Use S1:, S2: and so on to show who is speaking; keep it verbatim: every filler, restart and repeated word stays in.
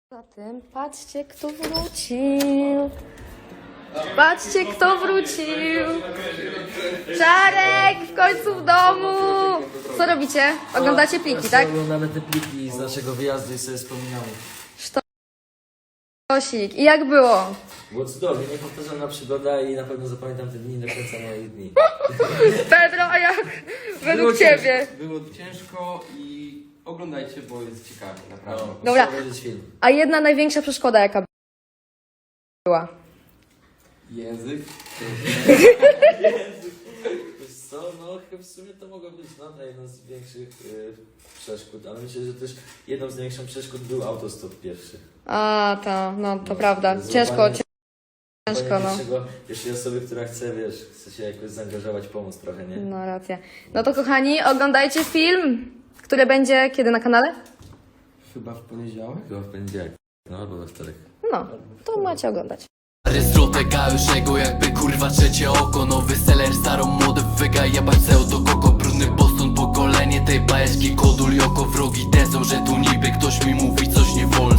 S1: Zatem patrzcie, kto wrócił. Patrzcie, kto wrócił. Czarek w końcu w domu. Co robicie? Oglądacie pliki, tak?
S2: Oglądamy te pliki z naszego wyjazdu i sobie wspominamy.
S1: Sztosik. I jak było?
S2: Było cudownie, niepowtarzalna przygoda i na pewno zapamiętam te dni do końca moich dni.
S1: Pedro, a jak według
S3: Było
S1: ciebie?
S3: Ciężko, było ciężko i oglądajcie, bo jest ciekawe, naprawdę.
S2: No,
S1: Dobra.
S2: muszę obejrzeć film.
S1: A jedna największa przeszkoda jaka była?
S3: Język.
S2: Wiesz co, no chyba w sumie to mogło być no, jedna z większych y, przeszkód, ale myślę, że też jedną z największych przeszkód był autostop pierwszy.
S1: A, to, no to
S2: No,
S1: prawda.
S2: złapanie-
S1: Ciężko, ciężko,
S2: Złapanie
S1: no.
S2: pierwszego- Pierwszej osoby, która chce, wiesz, chce się jakoś zaangażować, pomóc trochę, nie?
S1: No racja. No to kochani, oglądajcie film, który będzie kiedy na kanale?
S3: Chyba w poniedziałek?
S2: Chyba w poniedziałek, no albo we wtorek.
S1: No, to macie oglądać.
S4: Rystropeka już jego jakby kurwa trzecie oko. Nowy seller, starą młody wyga jebać pseudo koko. Brudny Boston, pokolenie tej bajeczki kodul joko. Wrogi tezą, że tu niby ktoś mi mówi coś nie wolno.